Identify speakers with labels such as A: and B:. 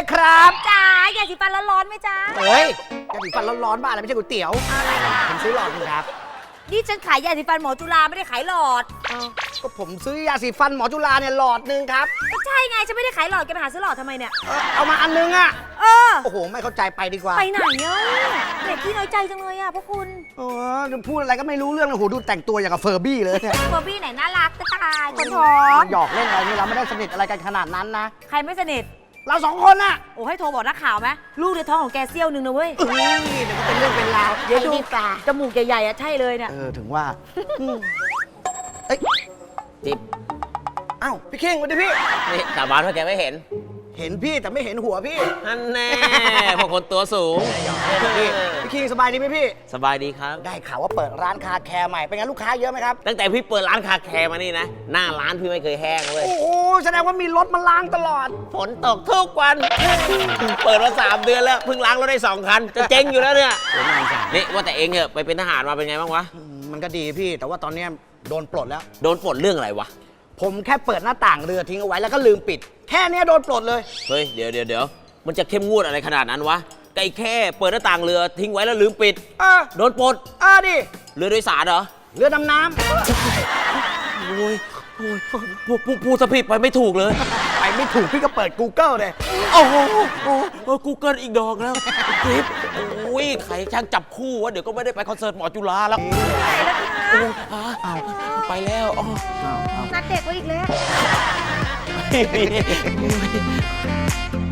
A: ครับ
B: จ๋ายาสีฟันร้อนๆไหมจ๊ะ
A: เฮ้ยยาสีฟันร้อนๆบ้าอะไรไม่ใช่ก๋วยเตี๋ยวผมซื้อหลอดนึงครับ
B: นี่ฉันขายยาสีฟันหมอจุฬาไม่ได้ขายหลอด
A: ก็ผมซื้อยาสีฟันหมอจุฬาเนี่ยหลอดนึงครับ
B: ก็ใช่ไงฉันไม่ได้ขายหลอดแกไปหาซื้อหลอดทำไมเนี่ย
A: เอามาอันนึงอ่ะ
B: เออ
A: โอ้โหไม่เข้าใจไปดีกว่า
B: ไปไหนอ่ะเด็กที่น้อยใจจังเลยอ่ะพวกคุณ
A: พูดอะไรก็ไม่รู้เรื่องเลยโอ้โหดูแต่งตัวอย่างกับเฟอร์บี้เลยเนี่ย
B: เบอร์บี้ไหนน่ารักจะตายคนท้อง
A: หยอกเล่นอะไรนี่เราไม่ได้สนิทอะไรกันขนาดนั้นนะ
B: ใครไม่สนิท
A: เราสองคนน่ะ
B: โอ้ให้โทรบอกนักข่าวไหมลูกในท้องของแกเซี่ยวหนึ่งนะเว้ย
A: เอ้ยเดี๋ยวก็เป็นเรื่องเป็นราว
B: เดี๋ยวดู
A: ไอ้นี่ปลา
B: จมูกใหญ่ๆอ่ะใช่เลยเนี่ย
A: ถึงว่าเอ้ย
C: จิ๊บ
A: อ้าวพี่เข่งสวัสดีพี่
C: นี่สาบานว่าแกไม่เห็น
A: เห็นพี่แต่ไม่เห็นหัวพี่
C: นั่นแน่ พวกคนตัวสูง
A: พี่คิงสบายดีไหมพี่
C: สบายดีครับ
A: ได้ข่าวว่าเปิดร้านคาแคร์ใหม่ เป็นไงลูกค้าเยอะไหมครับ
C: ตั้งแต่พี่เปิดร้านคาแคร์มานี่นะ หน้าร้านพี่ไม่เคยแห้งเลย
A: โอ้โหแสดงว่ามีรถมาล้างตลอด
C: ฝนตกทุกวัน เปิดมา3 เดือนแล้ว เพิ่งล้างรถได้2 คัน จะเจ๊งอยู่แล้วเนี่ย นี่ว่าแต่เองเหอะไปเป็นทหารมาเป็นไงบ้างวะ
A: มันก็ดีพี่ แต่ว่าตอนเนี้ยโดนปลดแล้ว
C: โดนปลดเรื่องอะไรวะ
A: ผมแค่เปิดหน้าต่างเรือทิ้งเอาไว้แล้วก็ลืมปิด แค่เนี้ยโดนปลดเลย
C: เฮ้ย เดี๋ยว มันจะเข้มงวดอะไรขนาดนั้นวะไก่แค่เปิดหน้าต่างเรือทิ้งไว้แล้วลืมปิด โดนปลด
A: ดิ
C: เรือโดยสารเหรอ
A: เรือดำน้
C: โอ้ยพูดสะผิดไปไม่ถูกเลย
A: ำไปไม่ถูกพี่ก็เปิด Google เลย
C: โอ้โหกูเกิลอีกดอกแล้วคลิปโอ้ยใครช่างจับคู่วะ เดี๋ยวก็ไม่ได้ไปคอนเสิร์ตหมอจุฬาแล้ว
B: ไหนแล้วคะ
C: โอ้ไปแล้วอ๋อ
B: นัดเด็กไว้อีกแล้ว